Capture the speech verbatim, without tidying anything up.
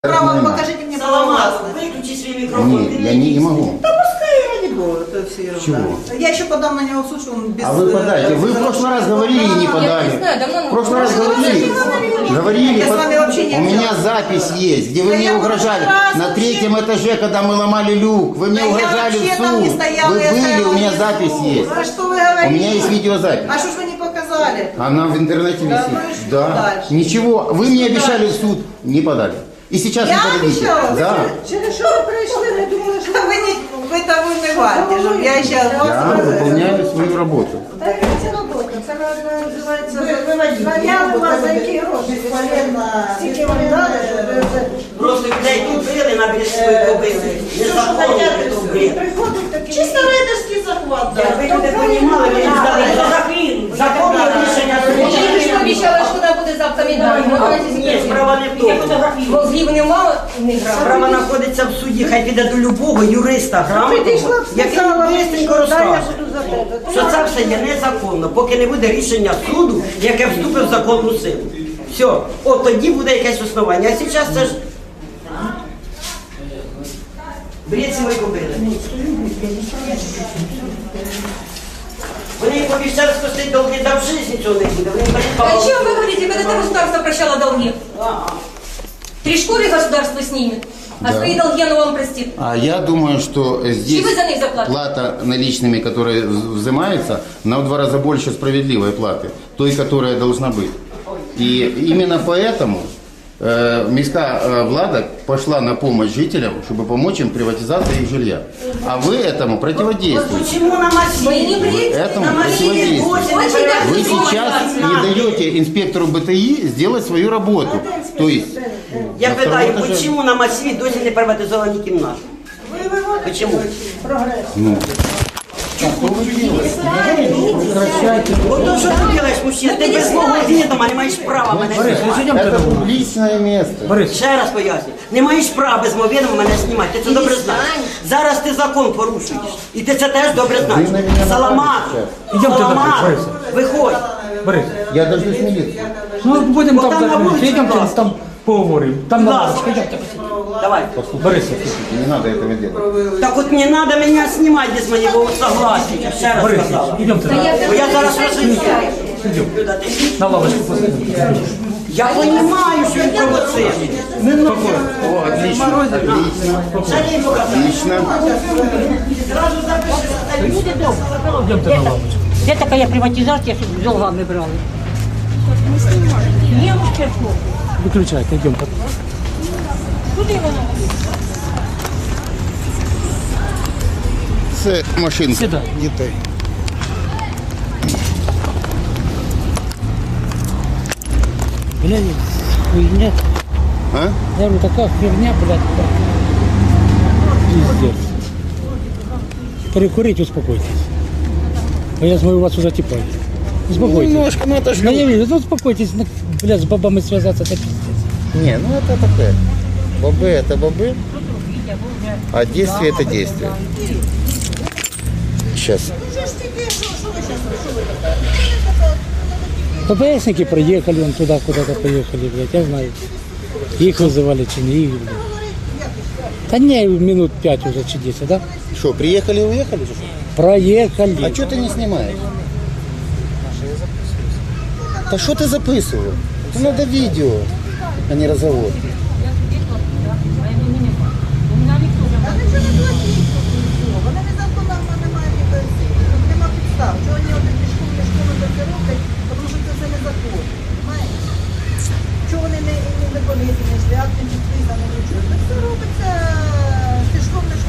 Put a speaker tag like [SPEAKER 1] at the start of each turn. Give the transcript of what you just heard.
[SPEAKER 1] Право, покажите мне право властности.
[SPEAKER 2] Выключи свой микрофон.
[SPEAKER 3] Нет, я не, не могу.
[SPEAKER 1] Да пускай, ради бога, это все ерунда.
[SPEAKER 3] Чего?
[SPEAKER 1] Я еще подам на него в суд, что он без...
[SPEAKER 3] А вы подайте. Вы в прошлый раз говорили и не
[SPEAKER 4] Я
[SPEAKER 3] подали.
[SPEAKER 4] не знаю, давно...
[SPEAKER 3] В прошлый раз говорили. Говорили.
[SPEAKER 1] Я с вами вообще не
[SPEAKER 3] У меня
[SPEAKER 1] общалась.
[SPEAKER 3] запись есть, где вы
[SPEAKER 1] Да
[SPEAKER 3] мне
[SPEAKER 1] я
[SPEAKER 3] угрожали.
[SPEAKER 1] раз
[SPEAKER 3] На
[SPEAKER 1] вообще-
[SPEAKER 3] третьем этаже, когда мы ломали люк, вы мне
[SPEAKER 1] Да я
[SPEAKER 3] угрожали в
[SPEAKER 1] вообще там не
[SPEAKER 3] суд.
[SPEAKER 1] стояла,
[SPEAKER 3] Вы
[SPEAKER 1] я
[SPEAKER 3] были,
[SPEAKER 1] стояла
[SPEAKER 3] у меня
[SPEAKER 1] внизу.
[SPEAKER 3] запись есть.
[SPEAKER 1] А что вы говорите?
[SPEAKER 3] У меня есть видеозапись.
[SPEAKER 1] А что ж вы не показали?
[SPEAKER 3] Она в интернете
[SPEAKER 1] Да,
[SPEAKER 3] висит.
[SPEAKER 1] ну и что
[SPEAKER 3] Да.
[SPEAKER 1] дальше?
[SPEAKER 3] Ничего. Вы мне
[SPEAKER 1] Что
[SPEAKER 3] обещали в
[SPEAKER 1] дальше?
[SPEAKER 3] суд, не подали. И сейчас
[SPEAKER 1] Я
[SPEAKER 3] не подадите.
[SPEAKER 1] обещала?
[SPEAKER 3] Да.
[SPEAKER 1] Через что вы пришли? Мы думали, что вы не... Вы того вымываете, чтобы я сейчас...
[SPEAKER 3] Я выполняю свою работу.
[SPEAKER 5] Це робота, це називається
[SPEAKER 1] Виводіть.
[SPEAKER 5] заяви вас за які гроші.
[SPEAKER 1] Безполезно.
[SPEAKER 5] Скільки вам дали, щоб ви вже...
[SPEAKER 2] Просто людей тут били, на березі побили. Незаконно тут били.
[SPEAKER 5] Приходить такі...
[SPEAKER 1] Чисто рейдерський захват, да.
[SPEAKER 2] Якби люди понімали, ви б здали законне рішення
[SPEAKER 4] Тільки що обіцяла, що вона буде завтра віддана.
[SPEAKER 2] Ні, справа не в тому.
[SPEAKER 4] Мозгів нема, не грав.
[SPEAKER 2] Справа знаходиться в суді, хай піде до любого юриста грамотного, який швидко розкаже, що це все є незаконно, поки не буде рішення суду, яке вступить в законну силу. Все, от тоді буде якесь основання. А зараз це ж... Бред сілий кобили. Вони їм пообіцяли спасти долги, да в житті цього не буде. Вони
[SPEAKER 4] А
[SPEAKER 2] передбали.
[SPEAKER 4] о чем вы говорите, когда это государство прощало долги? Три школы государство снимет, а
[SPEAKER 3] Да.
[SPEAKER 4] свои долги оно вам простит.
[SPEAKER 3] А я думаю, что здесь
[SPEAKER 4] вы за них заплатите?
[SPEAKER 3] плата наличными, которая взимается, на в два раза больше справедливой платы, той, которая должна быть. И именно поэтому э, міська э, влада пошла на помощь жителям, чтобы помочь им в приватизации их жилья. А вы этому противодействуете.
[SPEAKER 2] Почему на массиве?
[SPEAKER 4] Вы не бредите.
[SPEAKER 3] Этому
[SPEAKER 2] На массиве
[SPEAKER 3] противодействуете.
[SPEAKER 2] восемь
[SPEAKER 4] Очень даже
[SPEAKER 3] Вы
[SPEAKER 4] не
[SPEAKER 3] сейчас не даете инспектору БТИ сделать свою работу. То есть
[SPEAKER 2] Я
[SPEAKER 3] на
[SPEAKER 2] питаю,
[SPEAKER 3] втором этаже-
[SPEAKER 2] почему на массиве досі не приватизовані кімнати? Почему?
[SPEAKER 3] Ну, а что вы делаете?
[SPEAKER 2] Вот то, что ты делаешь, мужчина, ти без мого відома не маєш права мене знімати.
[SPEAKER 3] Это публичное место.
[SPEAKER 2] Ще раз поясню, не маєш права без мого відома мене знімати, ти це добре знаєш. Зараз ти закон порушуєш, і ти це теж добре знаєш.
[SPEAKER 3] Ви на мене
[SPEAKER 2] Саламат,
[SPEAKER 6] Ідемте
[SPEAKER 2] Саламат,
[SPEAKER 6] далі, Борис.
[SPEAKER 2] виходь.
[SPEAKER 6] Борис,
[SPEAKER 3] Я дождусь милицию.
[SPEAKER 6] ну будемо
[SPEAKER 2] Бо
[SPEAKER 6] там,
[SPEAKER 2] там на
[SPEAKER 6] так,
[SPEAKER 2] вулиці
[SPEAKER 6] йдемте,
[SPEAKER 2] класно.
[SPEAKER 6] там поговоримо. Там
[SPEAKER 2] Будь
[SPEAKER 6] на
[SPEAKER 2] ласка.
[SPEAKER 6] йдемте.
[SPEAKER 2] Давай.
[SPEAKER 6] Борис,
[SPEAKER 3] Не надо этого делать.
[SPEAKER 2] Так от не треба мене знімати без моєго согласия, ще раз
[SPEAKER 6] Борис,
[SPEAKER 2] сказала.
[SPEAKER 6] йдемте
[SPEAKER 4] Да
[SPEAKER 6] на,
[SPEAKER 4] я
[SPEAKER 2] Бо я зараз розумію. Люда, ти
[SPEAKER 6] на лавочку посадимо.
[SPEAKER 2] Я розумію, що він провоцирує.
[SPEAKER 3] О, отлично. Отлично.
[SPEAKER 2] Шалій показав.
[SPEAKER 3] Отлично.
[SPEAKER 2] Зразу запиши.
[SPEAKER 6] Йдемте на лавочку.
[SPEAKER 7] Де така приватизація, щоб з долгами брали? Ні, ну ще що.
[SPEAKER 6] Виключайте, йдемте.
[SPEAKER 7] Куди воно?
[SPEAKER 3] Це машинка
[SPEAKER 6] Сюди.
[SPEAKER 3] дітей.
[SPEAKER 6] Блядь, хуйня.
[SPEAKER 3] А?
[SPEAKER 6] Я говорю, такая херня, блядь. Пиздец. Перекурить, успокойтесь. А я смотрю, у вас уже типа. Успокойтесь.
[SPEAKER 3] Немножко, ну это ж...
[SPEAKER 6] Да я вижу, ну успокойтесь, ну, блядь, с бабами связаться, это пиздец.
[SPEAKER 3] Не, ну это такое. Бобы это бобы, а действие это действие. Сейчас.
[SPEAKER 6] ППСники приехали, он туда куда-то поехали, блядь, я знаю. Их вызывали, чи не их, блядь. Да не, минут пять уже, чи десять, да?
[SPEAKER 3] Что, приехали и уехали?
[SPEAKER 6] Проехали.
[SPEAKER 3] А что ты не снимаешь? Да что ты записывал? Это надо видео, а не разговор.
[SPEAKER 1] Вони незаконно не мають якоїсь, нема підстав. Чого вони от ці школи, школи це все роблять, тому що це все незаконно, розумієте? Чого вони не, не виконують, не свят, не підписано, нічого. Це все робиться, ти школи,